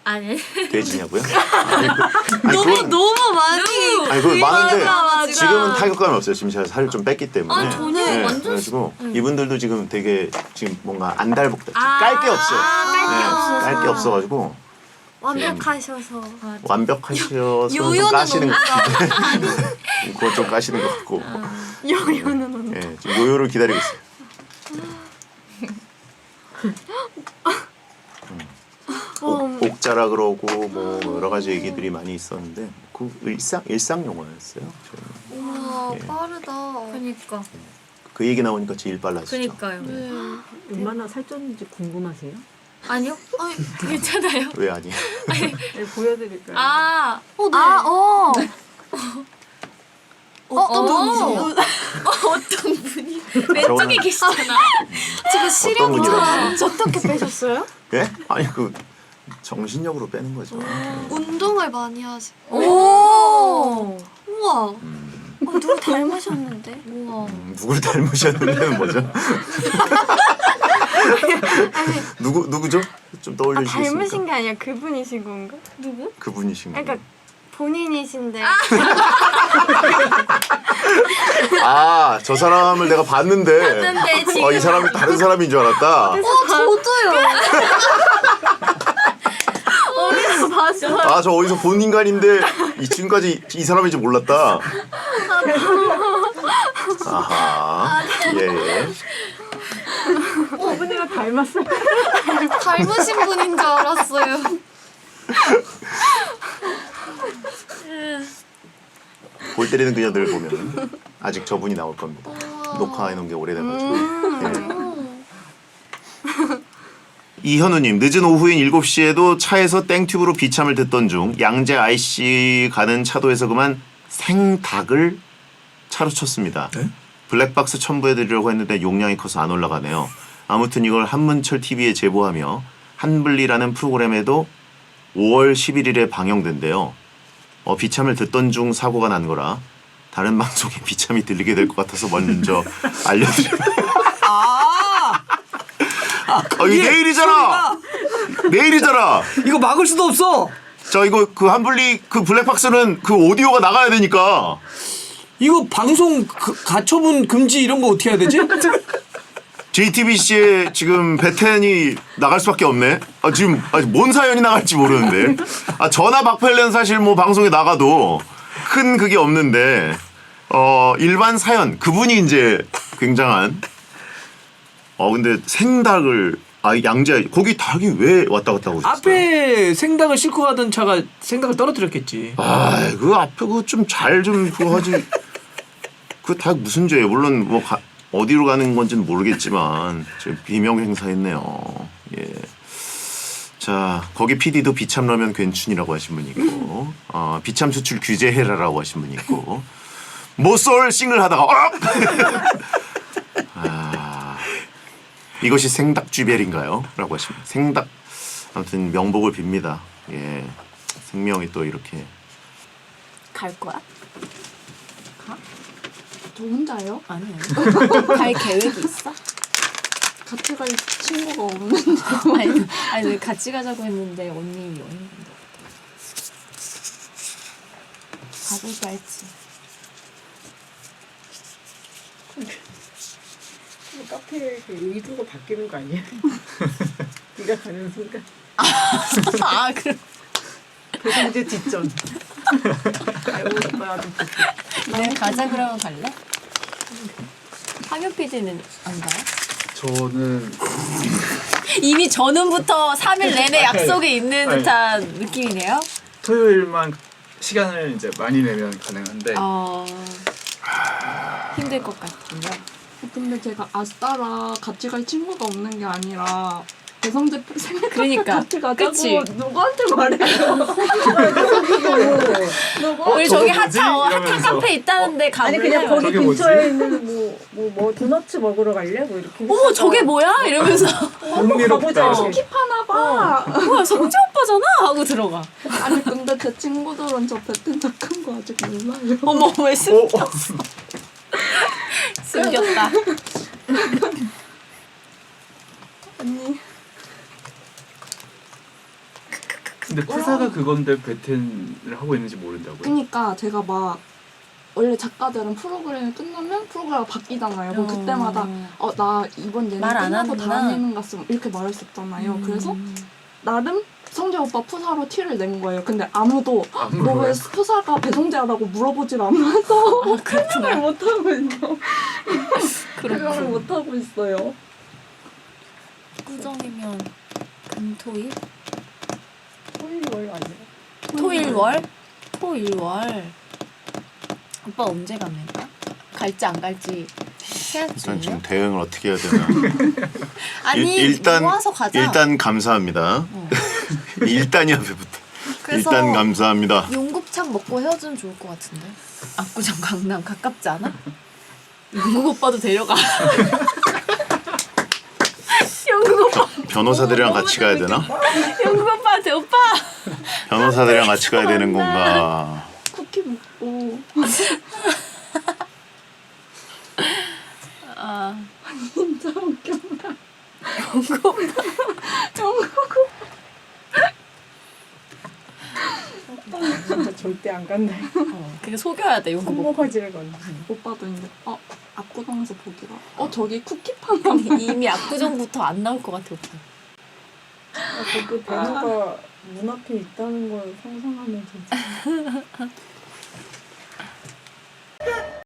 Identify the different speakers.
Speaker 1: 아니.
Speaker 2: 돼지냐고요?
Speaker 1: 너무 많이.
Speaker 2: 아니 그거 많은데
Speaker 1: 맞아.
Speaker 2: 지금은 타격감이 없어요. 지금 제가 살을 좀 뺐기 때문에.
Speaker 1: 저는 완전
Speaker 2: 그래가지고 이분들도 지금 되게 지금 뭔가 안달복달. 깔 게 없어요. 깔 게 없어가지고.
Speaker 3: 완벽하셔서.
Speaker 2: 완벽하셔서 좀
Speaker 1: 요요는
Speaker 2: 까시는 것 같은데. 그거 좀 까시는 것 같고.
Speaker 3: 요요는 온다.
Speaker 2: 예, 지금 요요를 기다리고 있어요. 옥자라 그러고 뭐 여러 가지 얘기들이 많이 있었는데 그 일상 용어였어요.
Speaker 3: 우와
Speaker 2: 예.
Speaker 3: 빠르다.
Speaker 1: 그니까.
Speaker 2: 그 얘기 나오니까 제일 빨라지죠.
Speaker 1: 그니까요.
Speaker 4: 얼마나 살쪘는지 궁금하세요?
Speaker 1: 아니요? 괜찮아요.
Speaker 2: 왜 아니?
Speaker 4: 네, 보여드릴까요?
Speaker 1: 네.
Speaker 3: 어떤 분이세요?
Speaker 1: 어떤 분이 왼쪽에 계시잖아.
Speaker 3: 지금
Speaker 2: 어떤 분이라지?
Speaker 3: 어떻게 빼셨어요?
Speaker 2: 예? 아니 그 정신력으로 빼는 거죠.
Speaker 3: 운동을 많이 하세요.
Speaker 1: 오.
Speaker 3: 우와. 누구 닮으셨는데?
Speaker 1: 우와.
Speaker 2: 누굴 닮으셨는데는 뭐죠? 누구죠? 좀 떠올려주시겠습니까?
Speaker 3: 닮으신 게 아니라 그분이신 건가? 누구?
Speaker 2: 그분이신 거예요.
Speaker 3: 그러니까 본인이신데.
Speaker 2: 저 사람을 내가 봤는데
Speaker 1: 지금.
Speaker 2: 이 사람이 다른 사람인 줄 알았다.
Speaker 3: 저도요.
Speaker 1: 어디서 봤어?
Speaker 2: 저 어디서 본 인간인데 지금까지 이 사람인지 몰랐다. 아하. 예.
Speaker 4: 어머니가 닮았어요.
Speaker 3: 닮으신 분인 줄 알았어요.
Speaker 2: 골 때리는 그녀들 보면 아직 저분이 나올 겁니다. 녹화해놓은 게 오래돼가지고. 이현우님, 늦은 오후인 7시에도 차에서 땡튜브로 비참을 듣던 중 양재 IC 가는 차도에서 그만 생닭을 차로 쳤습니다.
Speaker 5: 네?
Speaker 2: 블랙박스 첨부해드리려고 했는데 용량이 커서 안 올라가네요. 아무튼 이걸 한문철 TV에 제보하며 한블리라는 프로그램에도 5월 11일에 방영된대요. 비참을 듣던 중 사고가 난 거라 다른 방송에 비참이 들리게 될 것 같아서 먼저 알려드립니다. 이게 내일이잖아. 내일이잖아.
Speaker 5: 이거 막을 수도 없어.
Speaker 2: 이거 그 한블리 그 블랙박스는 그 오디오가 나가야 되니까.
Speaker 5: 이거 방송 가처분 금지 이런 거 어떻게 해야 되지?
Speaker 2: JTBC에 지금 베텐이 나갈 수밖에 없네. 지금 뭔 사연이 나갈지 모르는데. 전화 박펠레는 사실 뭐 방송에 나가도 큰 그게 없는데 일반 사연 그분이 이제 굉장한. 근데 생닭을 양재 거기 닭이 왜 왔다 갔다 하고 있어요?
Speaker 5: 앞에 생닭을 싣고 가던 차가 생닭을 떨어뜨렸겠지.
Speaker 2: 그 앞에 그거 좀 잘 좀 그거 하지. 그 닭 무슨 죄예요? 물론 뭐 어디로 가는 건지는 모르겠지만 지금 비명 행사했네요. 예. 자, 거기 PD도 비참라면 괜춘이라고 하신 분 있고, 비참 수출 규제해라라고 하신 분 있고, 모쏠 싱글 하다가 이것이 생닭 쥐벨인가요? 라고 하십니다. 생닭. 아무튼 명복을 빕니다. 예. 생명이 또 이렇게.
Speaker 3: 갈 거야? 가? 너 혼자요?
Speaker 4: 아니.
Speaker 3: 갈 계획이 있어? 같이 갈 친구가 없는데.
Speaker 6: 아니 같이 가자고 했는데 언니 가볼까 했지.
Speaker 4: 카페 의도가 바뀌는 거 아니야? 네가 가는 순간.
Speaker 6: 그래.
Speaker 4: 배송제 뒷전.
Speaker 6: 네, 가자 그러면 갈래? 황현 PD는 안 가요?
Speaker 7: 저는
Speaker 6: 이미 전음부터 3일 내내 약속이 있는 듯한 느낌이네요.
Speaker 7: 토요일만 시간을 이제 많이 내면 가능한데
Speaker 6: 힘들 것 같군요.
Speaker 3: 근데 제가 아스따라 같이 갈 친구가 없는 게 아니라 배성재 생일
Speaker 6: 그러니까.
Speaker 3: 같이 가자고
Speaker 6: 그치?
Speaker 3: 누구한테 말해요?
Speaker 6: 우리 저기
Speaker 7: 뭐지?
Speaker 6: 핫한
Speaker 7: 이러면서.
Speaker 6: 카페 있다는데
Speaker 4: 아니
Speaker 6: 가볼래?
Speaker 4: 그냥 거기
Speaker 7: 저게
Speaker 4: 근처에
Speaker 7: 뭐지?
Speaker 4: 있는 뭐 도너츠 먹으러 갈래? 뭐 이렇게.
Speaker 6: 어머 저게 뭐야? 이러면서
Speaker 7: 흥미롭다.
Speaker 3: 킵하나 봐.
Speaker 6: 뭐야 성재 오빠잖아? 하고 들어가.
Speaker 3: 아니 근데 제 친구들은 저 베텐 착한 거 아직 몰라요.
Speaker 6: 어머 왜 숨겼어? 숨겼다.
Speaker 3: 언니
Speaker 7: 근데 프사가 그건데 베텐을 하고 있는지 모른다고요?
Speaker 3: 그러니까 제가 막 원래 작가들은 프로그램이 끝나면 프로그램이 바뀌잖아요. 그럼 그때마다 나 이번 예능
Speaker 6: 말안
Speaker 3: 끝나고
Speaker 6: 하는구나.
Speaker 3: 다음 예능 갔으면 이렇게 말했었잖아요. 그래서 나름 성재 오빠 푸사로 티를 낸 거예요. 근데 아무도 너 왜 푸사가 배성재라고 물어보질 않아서 그걸 못하고 있어. 그걸 못하고 있어요.
Speaker 6: 꾸정이면 금토일?
Speaker 4: 토요일 아니야?
Speaker 6: 토일월? 토일월. 오빠 언제 갑니까? 갈지 안 갈지
Speaker 2: 일단
Speaker 6: 해야지.
Speaker 2: 지금 대응을 어떻게 해야 되나.
Speaker 6: 아니
Speaker 2: 일단
Speaker 6: 모아서 가자.
Speaker 2: 일단 감사합니다. 일단이야 왜부터.
Speaker 6: 그래서
Speaker 2: 일단 감사합니다.
Speaker 6: 용곱창 먹고 헤어지면 좋을 것 같은데. 압구정 강남 가깝지 않아? 용국 오빠도 데려가. 용국 오빠.
Speaker 2: 변호사들이랑 같이 가야 되나?
Speaker 6: 용국 오빠한테 오빠.
Speaker 2: 변호사들이랑 같이 가야 되는 건가?
Speaker 3: 쿠키 먹고
Speaker 6: 아
Speaker 3: 진짜 웃겼다.
Speaker 4: 진짜 절대 안 간다.
Speaker 6: 그게 속여야 돼 용국 오빠.
Speaker 4: 손모가지를 건다.
Speaker 3: 오빠도 이제 압구정에서 보기로 저기 쿠키 판다.
Speaker 6: 이미 압구정부터 안 나올 것 같아 오빠.
Speaker 4: 그 단어가 문 앞에 있다는 걸 상상하면 진짜